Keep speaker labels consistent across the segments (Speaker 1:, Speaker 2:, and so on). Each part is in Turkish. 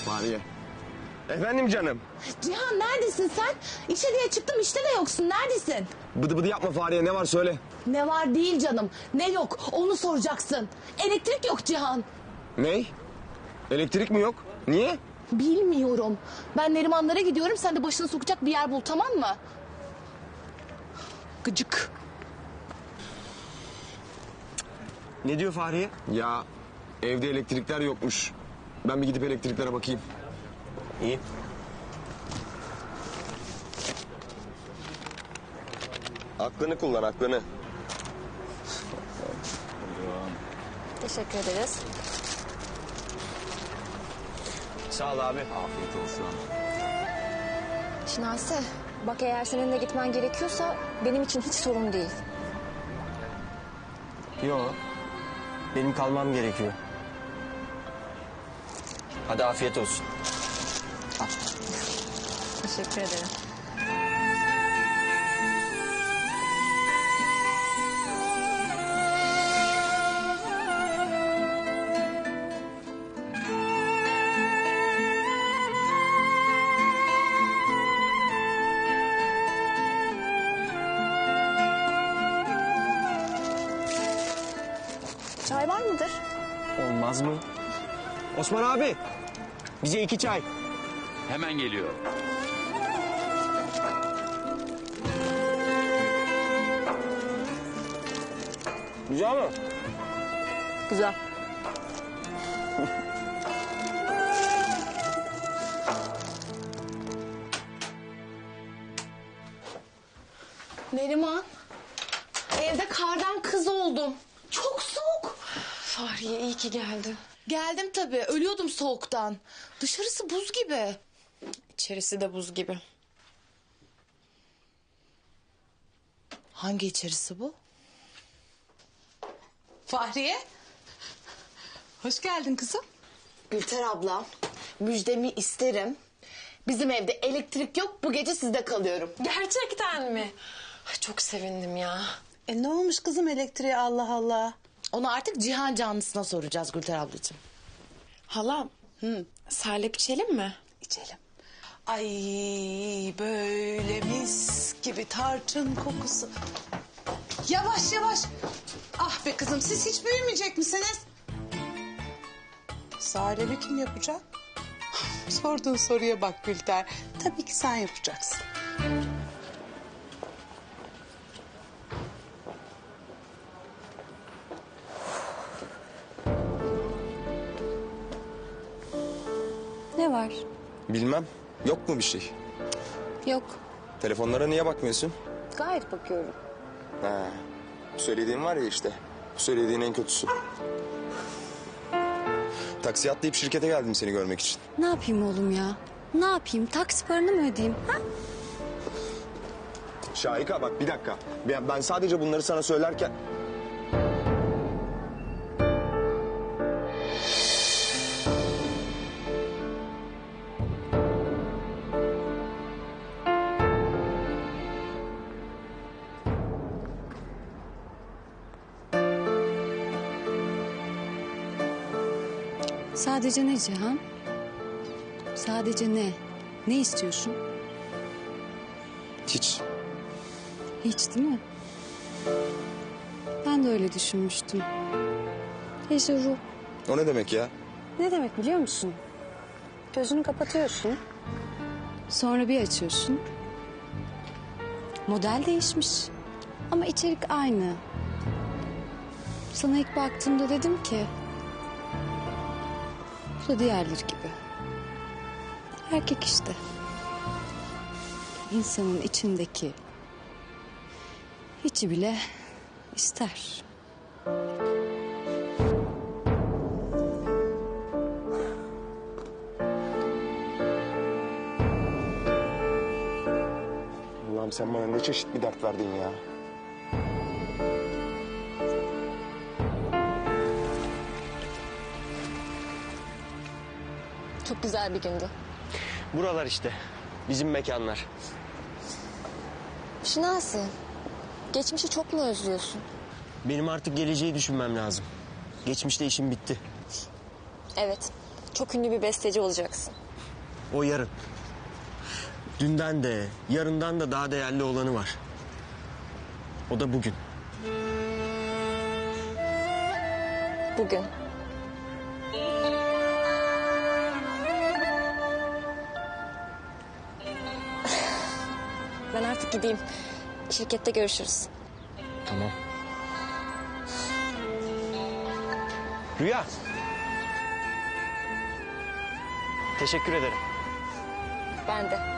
Speaker 1: Fahriye. Efendim canım.
Speaker 2: Cihan neredesin sen? İşe diye çıktım işte de yoksun. Neredesin?
Speaker 1: Bıdı bıdı yapma Fahriye, ne var söyle.
Speaker 2: Ne var değil canım. Ne yok onu soracaksın. Elektrik yok Cihan.
Speaker 1: Ney? Elektrik mi yok? Niye?
Speaker 2: Bilmiyorum. Ben Nerimanlara gidiyorum. Sen de başını sokacak bir yer bul, tamam mı? Gıcık.
Speaker 1: Ne diyor Fahriye? Ya evde elektrikler yokmuş. Ben bir gidip elektriklere bakayım. İyi. Aklını kullan, aklını.
Speaker 3: Teşekkür ederiz.
Speaker 1: Sağ ol abi. Afiyet olsun.
Speaker 3: Şinasi, bak eğer senin de gitmen gerekiyorsa benim için hiç sorun değil.
Speaker 4: Yok. Benim kalmam gerekiyor. Hadi afiyet olsun.
Speaker 3: Teşekkür ederim. Çay var mıdır?
Speaker 4: Olmaz mı? Osman abi. Bize 2 çay.
Speaker 5: Hemen geliyor.
Speaker 4: Güzel mi?
Speaker 3: Güzel.
Speaker 2: Neriman. Evde kardan kız oldum. Çok soğuk.
Speaker 6: Fahriye iyi ki geldin.
Speaker 2: Geldim tabii. Ölüyordum soğuktan. Dışarısı buz gibi.
Speaker 6: İçerisi de buz gibi.
Speaker 2: Hangi içerisi bu? Fahriye. Hoş geldin kızım.
Speaker 7: Gülter abla, müjdemi isterim. Bizim evde elektrik yok, bu gece sizde kalıyorum.
Speaker 6: Gerçekten mi? Ay, çok sevindim ya.
Speaker 8: Ne olmuş kızım elektriğe Allah Allah.
Speaker 2: Onu artık Cihan canlısına soracağız Gülter ablacığım.
Speaker 6: Halam, salep içelim mi?
Speaker 8: İçelim. Ay böyle mis gibi tarçın kokusu. Yavaş yavaş. Ah be kızım siz hiç büyümeyecek misiniz? Sarebi kim yapacak? Sorduğun soruya bak Gülter. Tabii ki sen yapacaksın.
Speaker 3: Ne var?
Speaker 1: Bilmem. Yok mu bir şey?
Speaker 3: Yok.
Speaker 1: Telefonlara niye bakmıyorsun?
Speaker 3: Gayet bakıyorum.
Speaker 1: Ha. Bu söylediğin var ya işte. Bu söylediğin en kötüsü. Taksiye atlayıp şirkete geldim seni görmek için.
Speaker 3: Ne yapayım oğlum ya? Ne yapayım? Taksi paranı mı ödeyeyim? Ha?
Speaker 1: Şahika bak bir dakika. Ben sadece bunları sana söylerken...
Speaker 3: Sadece ne Cihan? Sadece ne? Ne istiyorsun?
Speaker 1: Hiç.
Speaker 3: Hiç değil mi? Ben de öyle düşünmüştüm. Ejuru.
Speaker 1: O ne demek ya?
Speaker 3: Ne demek biliyor musun? Gözünü kapatıyorsun. Sonra bir açıyorsun. Model değişmiş. Ama içerik aynı. Sana ilk baktığımda dedim ki... Bu da diğerleri gibi. Erkek işte. İnsanın içindeki... içi bile ister.
Speaker 1: Allah'ım sen bana ne çeşit bir dert verdin ya.
Speaker 3: Çok güzel bir gündü.
Speaker 4: Buralar işte. Bizim mekanlar.
Speaker 3: Şinasi, geçmişi çok mu özlüyorsun?
Speaker 4: Benim artık geleceği düşünmem lazım. Geçmişte işim bitti.
Speaker 3: Evet, Çok ünlü bir besteci olacaksın.
Speaker 4: O yarın. Dünden de, yarından da daha değerli olanı var. O da bugün.
Speaker 3: Bugün. Ben artık gideyim. Şirkette görüşürüz.
Speaker 4: Tamam. Rüya. Teşekkür ederim.
Speaker 3: Ben de.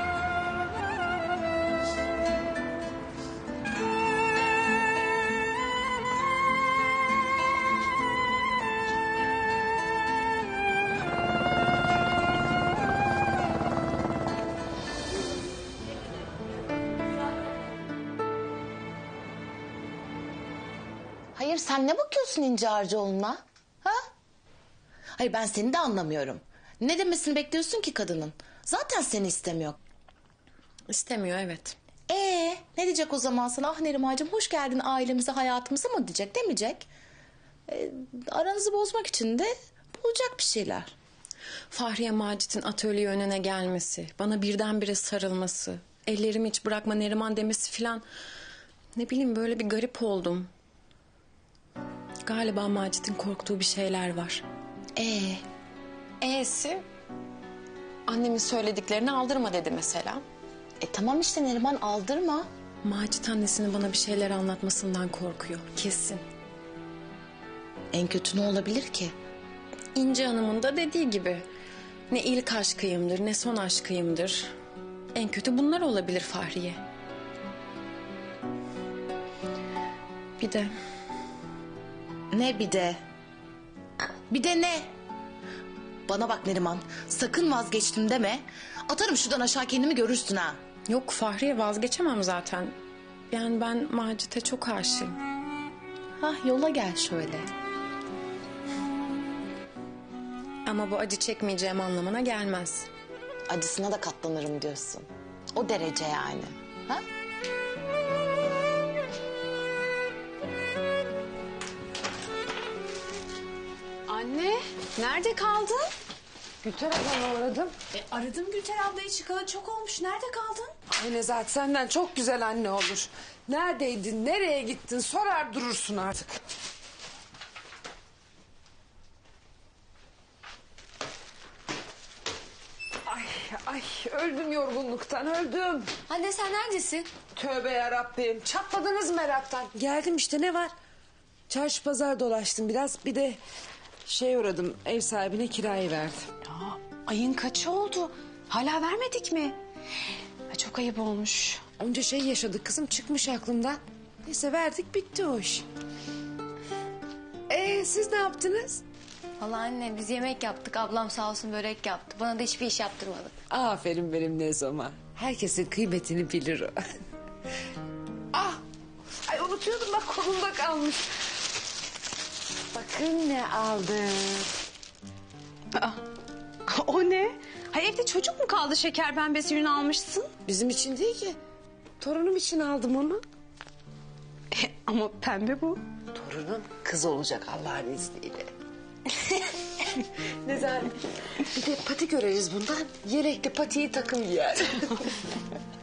Speaker 7: Hayır sen ne bakıyorsun İnci Harcıoğlu'na? Ha? Hayır ben seni de anlamıyorum. Ne demesini bekliyorsun ki kadının? Zaten seni istemiyor.
Speaker 6: İstemiyor evet.
Speaker 7: Ne diyecek o zaman sana? Ah Nerimancığım hoş geldin ailemize hayatımıza mı diyecek demeyecek. Aranızı bozmak için de bulacak bir şeyler.
Speaker 6: Fahriye Macit'in atölye önüne gelmesi, bana birdenbire sarılması, ellerimi hiç bırakma Neriman demesi filan. Ne bileyim böyle bir garip oldum. Galiba Macit'in korktuğu bir şeyler var. E'si annemin söylediklerini aldırma dedi mesela.
Speaker 7: Tamam işte Neriman aldırma.
Speaker 6: Macit annesinin bana bir şeyler anlatmasından korkuyor kesin.
Speaker 7: En kötü ne olabilir ki?
Speaker 6: İnci Hanım'ın da dediği gibi ne ilk aşkıyımdır ne son aşkıyımdır. En kötü bunlar olabilir Fahriye. Bir de
Speaker 7: Ne bir de? Bir de ne? Bana bak Neriman sakın vazgeçtim deme. Atarım şuradan aşağı kendimi görürsün ha.
Speaker 6: yok Fahriye vazgeçemem zaten. Yani ben Macit'e çok aşığım.
Speaker 7: Yola gel şöyle.
Speaker 6: Ama bu acı çekmeyeceğim anlamına gelmez.
Speaker 7: Acısına da katlanırım diyorsun. O derece yani. Ha?
Speaker 3: Anne, nerede kaldın?
Speaker 9: Gülter ablamı aradım.
Speaker 8: Aradım Gülter ablayı çıkalı çok olmuş. Nerede kaldın?
Speaker 9: Ay Nezahat senden çok güzel anne olur. Neredeydin, nereye gittin sorar durursun artık. Ay öldüm yorgunluktan öldüm.
Speaker 3: Anne sen neredesin?
Speaker 9: Tövbe yarabbim çatladınız meraktan. Geldim işte ne var? Çarşı pazar dolaştım biraz bir de uğradım ev sahibine kirayı verdim.
Speaker 8: Ayın kaçı oldu? Hala vermedik mi? Çok ayıp olmuş.
Speaker 9: Onca şey yaşadık kızım çıkmış aklımdan. Neyse verdik bitti o iş. Siz ne yaptınız?
Speaker 3: Vallahi anne biz yemek yaptık. Ablam sağ olsun börek yaptı. Bana da hiçbir iş yaptırmadı.
Speaker 9: Aferin benim Nezoma. Herkesin kıymetini bilir o. Ay unutuyordum bak kolumda kalmış. Bakın ne aldım.
Speaker 8: O ne? Hayır evde çocuk mu kaldı şeker pembesi ürün almışsın?
Speaker 9: Bizim için değil ki. Torunum için aldım onu.
Speaker 8: Ama pembe bu.
Speaker 9: Torunum kız olacak Allah'ın izniyle. Nezahat bir de pati göreriz bundan. Yelekli patiyi takım giyer.